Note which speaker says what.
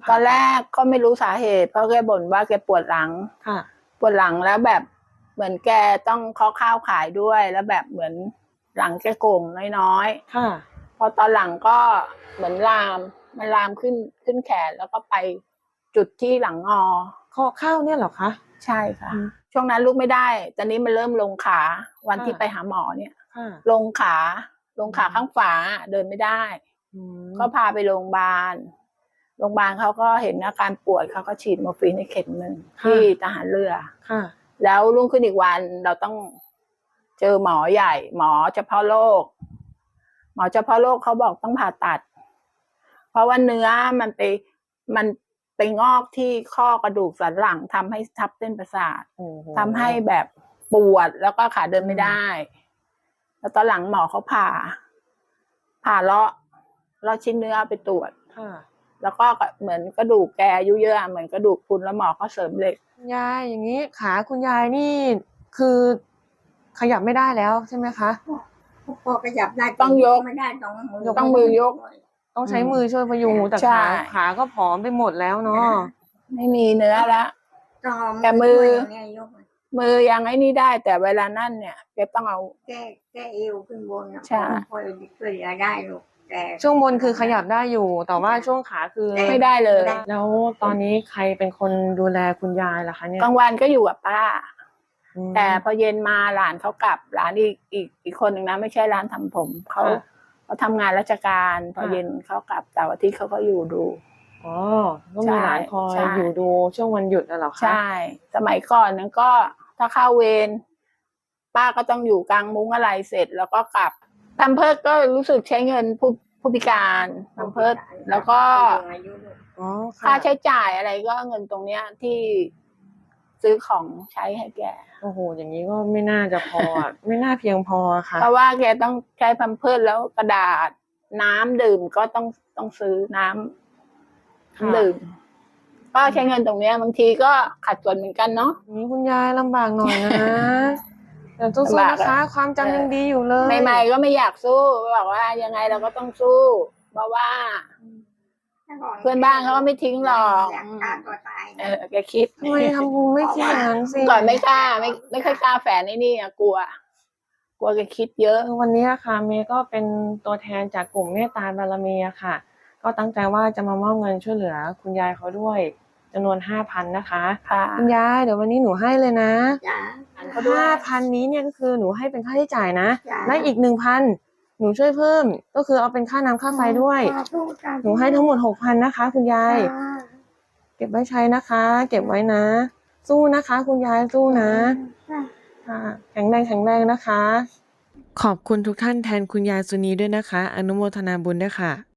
Speaker 1: ตอนแรกก็ไม่รู้สาเหตุเพราะแกบ่นว่าแกปวดหลัง
Speaker 2: ค่ะ
Speaker 1: ปวดหลังแล้วแบบเหมือนแกต้องเคาะข้าวขายด้วยแล้วแบบเหมือนหลังแกโก่งน้อย
Speaker 2: ๆค่ะ
Speaker 1: พอตอนหลังก็เหมือนมันลามขึ้นแขนแล้วก็ไปจุดที่หลังงอ
Speaker 2: เคาะข้าวเนี่ยเหรอคะ
Speaker 1: ใช่ค่ะช่วงนั้นลุกไม่ได้ตอนนี้มันเริ่มลงขาวันที่ไปหาหมอเนี่ยลงขาข้างฝาเดินไม่ได้ก็พาไปโรงพยาบาลเขาก็เห็นอาการปวดเขาก็ฉีดมอร์ฟีนให้เข็มหนึ่งที่ทหารเรือแล้วรุ่งขึ้นอีกวันเราต้องเจอหมอใหญ่หมอเฉพาะโรคเขาบอกต้องผ่าตัดเพราะว่าเนื้อมันไปงอกที่ข้อกระดูกสันหลังทำให้ทับเส้นประสาททำให้แบบปวดแล้วก็ขาเดินไม่ได้แล้วตอนหลังหมอเขาผ่าเลาะชิ้นเนื้อไปตรวจแล้วก็เหมือนกระดูกแกอายุเยอะเหมือนกระดูกพรุนแล้วหมอก็เสริมเหล็ก
Speaker 2: ยายอย่างนี้ขาคุณยายนี่คือขยับไม่ได้แล้วใช่ไหมคะ
Speaker 3: พอขยับได้
Speaker 1: ต้องยก
Speaker 3: ไม่ได้ต้อง
Speaker 1: มือยก
Speaker 2: ต้องใช้มือช่วยพยุงแต่ขาก็ผอมไปหมดแล้วเนาะ
Speaker 1: ไม่มีเนื้อแล้วแต่มือยังไอ้นี่ได้แต่เวลานั่นเนี่ยแกต้องเอา
Speaker 3: แก้เอวขึ้นบนใช่พอช่วยได้ลูกแต่
Speaker 2: ช่วงบนคือขยับได้อยู่แต่ว่าช่วงขาคือ
Speaker 1: ไม่ได้เลย
Speaker 2: แล้วตอนนี้ใครเป็นคนดูแลคุณยายล่ะคะเนี่ย
Speaker 1: กลางวันก็อยู่กับป้าแต่พอเย็นมาหลานเขากลับหลานอีกคนหนึ่งนะไม่ใช่ร้านทำผมเขาทำงานราชการพอเย็นเขากลับแต่วันที่เขาก็อยู่ดู
Speaker 2: อ๋อก็มีหลานคอยอยู่ดูช่วงวันหยุดน่ะเหรอคะ
Speaker 1: ใช่สมัยก่อนนั้นก็ถ้าเข้าเวรป้าก็ต้องอยู่กลางมุ้งอะไรเสร็จแล้วก็กลับทำเพิร์ดก็รู้สึกใช้เงินผู้พิการทำเพิร์ดแล้วก็ค่าใช้จ่ายอะไรก็เงินตรงเนี้ยที่ซื้อของใช้ให้แก
Speaker 2: โอ้โหอย่างนี้ก็ไม่น่าจะพอ ไม่น่าเพียงพอค่ะ
Speaker 1: เพราะว่าแกต้องใช้พัมเพิร์สแล้วกระดาษน้ำดื่มก็ต้องซื้อน้ำดื่มก็ใช้เงินตรงเนี้ยบางทีก็ขัดสนเหมือนกันเนาะ
Speaker 2: นี่คุณยายลำบากหน่อยนะแต่สู้ๆนะคะความจำยังดีอยู่เลย
Speaker 1: ใหม่ๆก็ไม่อยากสู้บอกว่ายังไงเราก็ต้องสู้เพราะว่าเพื่อนบ้านเขาก็ไม่ทิ้งหรอกแกคิด
Speaker 2: ทำไมทำไม่คิดอย่างนั้นสิ
Speaker 1: ก่อนไม่กล้าไม่ค่อยกล้าแฝนนี่กลัวแกคิดเยอะ
Speaker 2: วันนี้ค่ะเมย์ก็เป็นตัวแทนจากกลุ่มเมตตาบารมีค่ะก็ตั้งใจว่าจะมามอบเงินช่วยเหลือคุณยายเขาด้วยจำนวน 5,000 นะคะคุณยายเดี๋ยววันนี้หนูให้เลยนะ5,000 นี้เนี่ยก็คือหนูให้เป็นค่าใช้จ่ายนะและอีก 1,000หนูช่วยเพิ่มก็คือเอาเป็นค่าน้ำค่าไฟด้วยหนูให้ทั้งหมด 6,000 นะคะคุณยายเก็บไว้ใช้นะคะเก็บไว้นะสู้นะคะคุณยายสู้นะค่ะแข็งแรงนะคะขอบคุณทุกท่านแทนคุณยายสุนีด้วยนะคะอนุโมทนาบุญด้วยค่ะ